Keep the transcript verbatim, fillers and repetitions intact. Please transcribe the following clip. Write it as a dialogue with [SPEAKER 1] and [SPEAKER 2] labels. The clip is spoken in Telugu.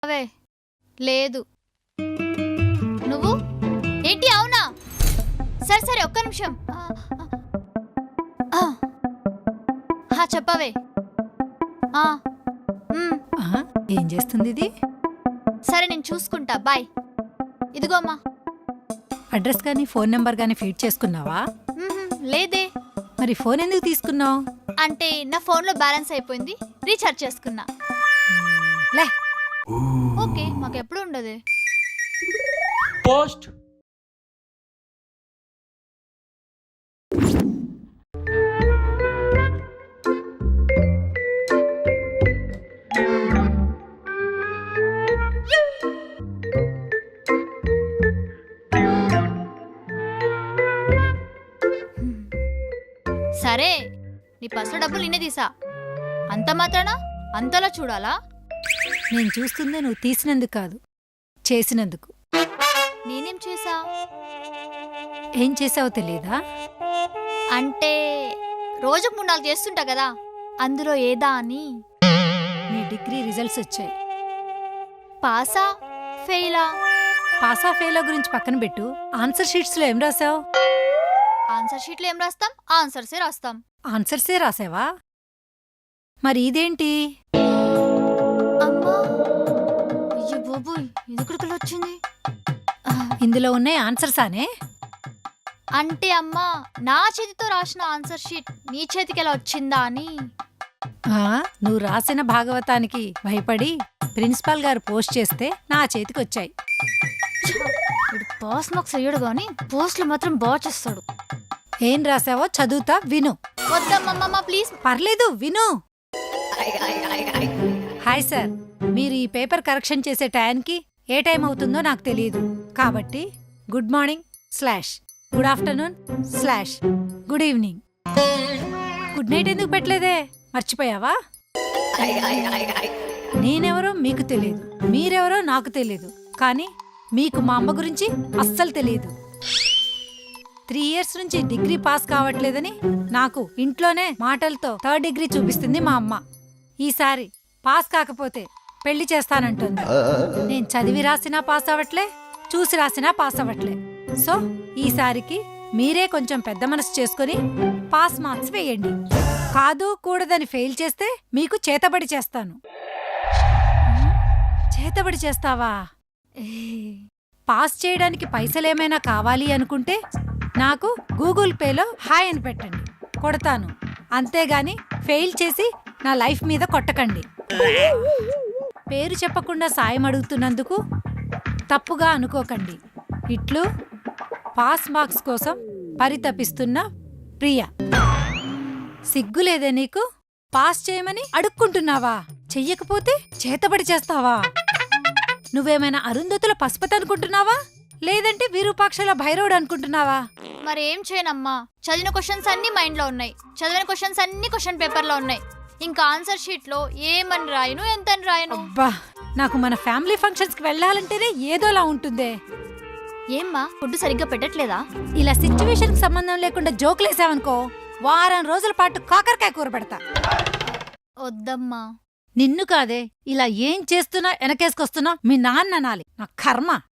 [SPEAKER 1] అవే లేదు. నువ్వు ఏంటి? అవునా? సరే సరే ఒక్క నిమిషం. ఆ, ఆ, చెప్పవే. ఆ, మ్,
[SPEAKER 2] ఆ, ఏం చేస్తుంది ఇది?
[SPEAKER 1] సరే నేను చూసుకుంటా. బాయ్. ఇదిగో అమ్మా.
[SPEAKER 2] అడ్రస్ కానీ ఫోన్ నెంబర్ కానీ ఫీడ్ చేసుకున్నావా?
[SPEAKER 1] మ్హూ, లేదే.
[SPEAKER 2] మరి ఫోన్ ఎందుకు తీసుకున్నావు?
[SPEAKER 1] అంటే నా ఫోన్లో బ్యాలెన్స్ అయిపోయింది, రీఛార్జ్ చేసుకున్నా.
[SPEAKER 2] లే,
[SPEAKER 1] ఓకే, మాకెప్పుడు ఉండదే.
[SPEAKER 3] పోస్ట్
[SPEAKER 1] సరే, నీ పర్సులో డబ్బులు నిన్నే తీసా. అంత మాత్రానా అంతలా చూడాలా?
[SPEAKER 2] నేను చూస్తుందే నువ్వు తీసినందుకు కాదు, చేసినందుకు.
[SPEAKER 1] నేనేం చేసా?
[SPEAKER 2] ఏం చేసావో తెలియదా?
[SPEAKER 1] అంటే రోజుకు మూడు నాలుగు చేస్తుంటా కదా, అందులో ఏదా అని.
[SPEAKER 2] నీ డిగ్రీ రిజల్ట్స్ వచ్చాయి.
[SPEAKER 1] పాసా ఫెయిలా?
[SPEAKER 2] పాసా ఫెయిలా గురించి పక్కన పెట్టు. ఆన్సర్ షీట్స్లో ఏం రాసావు?
[SPEAKER 1] ఆన్సర్ షీట్లో ఏం రాస్తాం? ఆన్సర్సే రాస్తాం.
[SPEAKER 2] ఆన్సర్సే రాసావా? మరి ఇదేంటి?
[SPEAKER 1] అమ్మా, అయ్యో బాబోయ్, ఇదెక్కడికి వచ్చింది?
[SPEAKER 2] ఇందులో ఉన్నాయి ఆన్సర్సానే?
[SPEAKER 1] అంటే అమ్మా, నా చేతితో రాసిన ఆన్సర్ షీట్ నీ చేతికి ఎలా వచ్చిందా అని.
[SPEAKER 2] ఆ, నువ్వు రాసిన భాగవతానికి భయపడి ప్రిన్సిపాల్ గారు పోస్ట్ చేస్తే నా చేతికి వచ్చాయి.
[SPEAKER 1] ఇప్పుడు పాస్ మార్క్స్ అయ్యాడు గాని పోస్టులు మాత్రం బాగా చేస్తాడు.
[SPEAKER 2] ఏం రాసావో చదువుతా, విను.
[SPEAKER 1] వద్దమ్మమ్మ ప్లీజ్.
[SPEAKER 2] పర్లేదు, విను. హాయ్ సార్, మీరు ఈ పేపర్ కరెక్షన్ చేసే టైంకి ఏ టైం అవుతుందో నాకు తెలియదు. కాబట్టి good morning slash good afternoon slash good evening. Good night ఎందుకు పెట్టలేదే? మర్చిపోయావా? నేనెవరో మీకు తెలియదు, మీరెవరో నాకు తెలియదు, కానీ మీకు మా అమ్మ గురించి అస్సలు తెలియదు. త్రీ ఇయర్స్ నుంచి డిగ్రీ పాస్ కావట్లేదని నాకు ఇంట్లోనే మాటలతో థర్డ్ డిగ్రీ చూపిస్తుంది మా అమ్మ. ఈసారి పాస్ కాకపోతే పెళ్లి చేస్తానంటుంది. నేను చదివి రాసినా పాస్ అవ్వట్లే, చూసి రాసినా పాస్ అవ్వట్లే. సో ఈసారికి మీరే కొంచెం పెద్ద మనసు చేసుకుని పాస్ మార్క్స్ వేయండి. కాదు కూడదని ఫెయిల్ చేస్తే మీకు చేతబడి చేస్తాను. చేతబడి చేస్తావా? పాస్ చేయడానికి పైసలేమైనా కావాలి అనుకుంటే నాకు గూగుల్ పేలో హాయ్ అని పెట్టండి, కొడతాను. అంతేగాని ఫెయిల్ చేసి నా లైఫ్ మీద కొట్టకండి. పేరు చెప్పకుండా సాయం అడుగుతున్నందుకు తప్పుగా అనుకోకండి. ఇట్లు పాస్ మార్క్స్ కోసం పరితపిస్తున్న ప్రియ. సిగ్గులేదే నీకు? పాస్ చేయమని అడుక్కుంటున్నావా? చెయ్యకపోతే చేతబడి చేస్తావా? నువ్వేమైనా అరుంధతుల పశుపతి అనుకుంటున్నావా, లేదంటే విరూపాక్షల భైరవుడు అనుకుంటున్నావా?
[SPEAKER 1] మరి ఏం చేయనమ్మా, చదివిన క్వశ్చన్స్ అన్ని మైండ్ లో ఉన్నాయి, చదివిన క్వశ్చన్స్ అన్ని క్వశ్చన్ పేపర్ లో ఉన్నాయి. ఇంకా ఆన్సర్ షీట్ లో ఏమని రాయను, ఎంతని రాయను?
[SPEAKER 2] అబ్బా, నాకు మన ఫ్యామిలీ ఫంక్షన్స్ కి వెళ్ళాలంటేనే ఏదోలా ఉంటుందే.
[SPEAKER 1] ఏమ్మా, ఫుడ్ సరిగ్గా పెట్టట్లేదా?
[SPEAKER 2] ఇలా సిచ్యువేషన్ కి సంబంధం లేకుండా జోకులేసావనుకో, వారం రోజుల పాటు కాకరకాయ కూర పెడతా.
[SPEAKER 1] వద్దమ్మా.
[SPEAKER 2] నిన్ను కాదే, ఇలా ఏం చేస్తున్నా వెనకేసుకొస్తున్నా మీ నాన్న అనాలి. నా కర్మ.